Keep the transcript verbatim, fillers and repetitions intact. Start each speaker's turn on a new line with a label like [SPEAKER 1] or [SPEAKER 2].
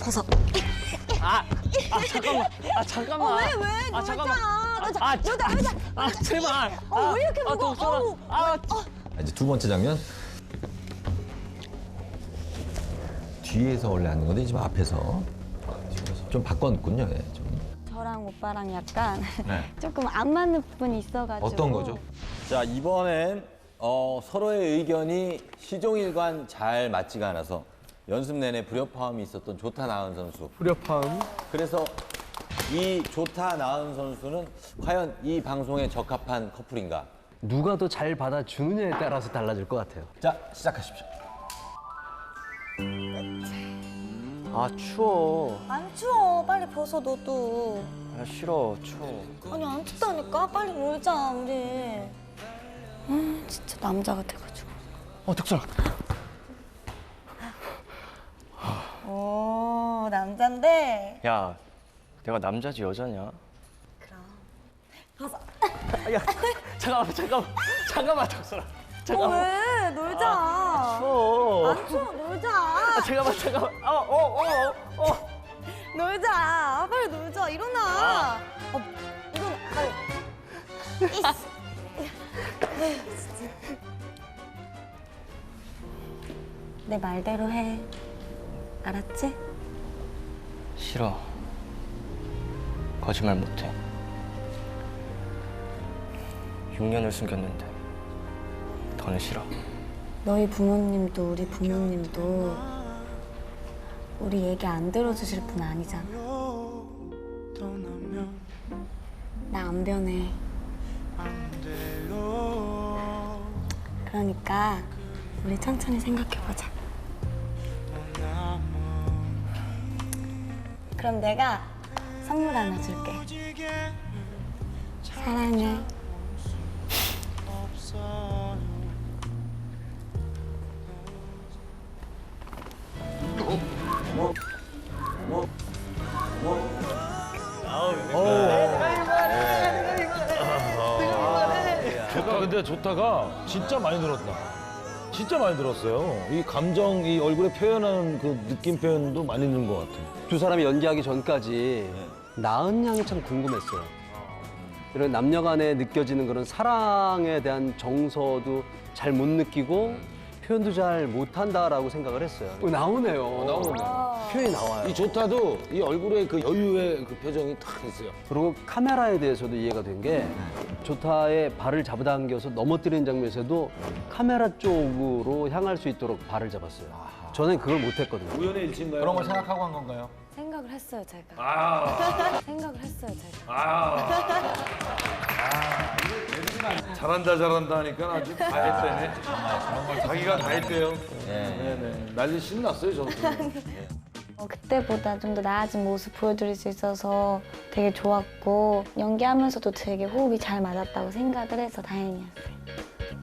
[SPEAKER 1] 벗어.
[SPEAKER 2] 아, 아 잠깐만. 아 잠깐만.
[SPEAKER 1] 어, 왜, 왜?
[SPEAKER 2] 아 잠깐만.
[SPEAKER 1] 놀자.
[SPEAKER 2] 아,
[SPEAKER 1] 놀자, 놀자.
[SPEAKER 2] 아 제발.
[SPEAKER 1] 어, 왜 이렇게
[SPEAKER 2] 아,
[SPEAKER 1] 무거워?
[SPEAKER 2] 독서라.
[SPEAKER 1] 어우,
[SPEAKER 2] 아,
[SPEAKER 3] 아, 이제 두 번째 장면. 뒤에서 원래 하는 건데 지금 앞에서 좀 바꿨군요. 예, 좀.
[SPEAKER 1] 저랑 오빠랑 약간
[SPEAKER 3] 네.
[SPEAKER 1] 조금 안 맞는 부분이 있어가지고.
[SPEAKER 3] 어떤 거죠?
[SPEAKER 4] 자, 이번엔 어, 서로의 의견이 시종일관 잘 맞지가 않아서 연습 내내 불협화음이 있었던 조타 나은 선수.
[SPEAKER 5] 불협화음.
[SPEAKER 4] 그래서 이 조타 나은 선수는 과연 이 방송에 적합한 커플인가?
[SPEAKER 5] 누가 더 잘 받아주느냐에 따라서 달라질 것 같아요.
[SPEAKER 4] 자, 시작하십시오.
[SPEAKER 2] 아 추워.
[SPEAKER 1] 안 추워. 빨리 벗어, 너도.
[SPEAKER 2] 아 싫어. 추워.
[SPEAKER 1] 아니, 안 춥다니까? 빨리 놀자, 우리. 아, 진짜 남자 같아가지고.
[SPEAKER 2] 어 덕선아.
[SPEAKER 1] 오, 남잔데.
[SPEAKER 2] 야, 내가 남자지 여자냐?
[SPEAKER 1] 그럼. 벗어.
[SPEAKER 2] 아, 야, 잠깐만, 잠깐만, 잠깐만, 덕선아.
[SPEAKER 1] 어,
[SPEAKER 2] 잠깐만.
[SPEAKER 1] 왜? 놀자.
[SPEAKER 2] 추워.
[SPEAKER 1] 안 추워, 놀자.
[SPEAKER 2] 아, 잠깐만, 잠깐만. 어, 어, 어, 어.
[SPEAKER 1] 놀자. 아, 빨리 놀자. 일어나. 어, 일어나. 빨리. 이씨. 내 말대로 해. 알았지?
[SPEAKER 2] 싫어. 거짓말 못해. 육 년을 숨겼는데 더는 싫어.
[SPEAKER 1] 너희 부모님도 우리 부모님도 우리 얘기 안 들어주실 분 아니잖아. 나 안 변해. 그러니까 우리 천천히 생각해보자. 그럼 내가 선물 하나 줄게. 사랑해.
[SPEAKER 6] 조타 근데 조타가 진짜 많이 늘었다. 진짜 많이 늘었어요. 이 감정, 이 얼굴에 표현하는 그 느낌 표현도 많이 는 것 같아요.
[SPEAKER 5] 두 사람이 연기하기 전까지 나은 양이 참 궁금했어요. 이런 남녀 간에 느껴지는 그런 사랑에 대한 정서도 잘 못 느끼고 표현도 잘 못한다라고 생각을 했어요. 어, 나오네요.
[SPEAKER 6] 나오네요.
[SPEAKER 5] 표현이 나와요.
[SPEAKER 6] 이 조타도 이 얼굴에 그 여유의 그 표정이 탁 있어요.
[SPEAKER 5] 그리고 카메라에 대해서도 이해가 된 게 조타의 발을 잡아당겨서 넘어뜨리는 장면에서도 카메라 쪽으로 향할 수 있도록 발을 잡았어요. 저는 그걸 못했거든요.
[SPEAKER 6] 우연의 일치인가요?
[SPEAKER 4] 그런 걸 생각하고 한 건가요?
[SPEAKER 1] 생각을 했어요, 제가.
[SPEAKER 6] 아,
[SPEAKER 1] 생각을 했어요, 제가.
[SPEAKER 6] 아. 잘한다 잘한다 하니까 아주 다 했대네. 자기가 다 했대요. 네네. 난리 신났어요 저도.
[SPEAKER 1] 어, 그때보다 좀 더 나아진 모습 보여드릴 수 있어서 되게 좋았고 연기하면서도 되게 호흡이 잘 맞았다고 생각을 해서 다행이었어요.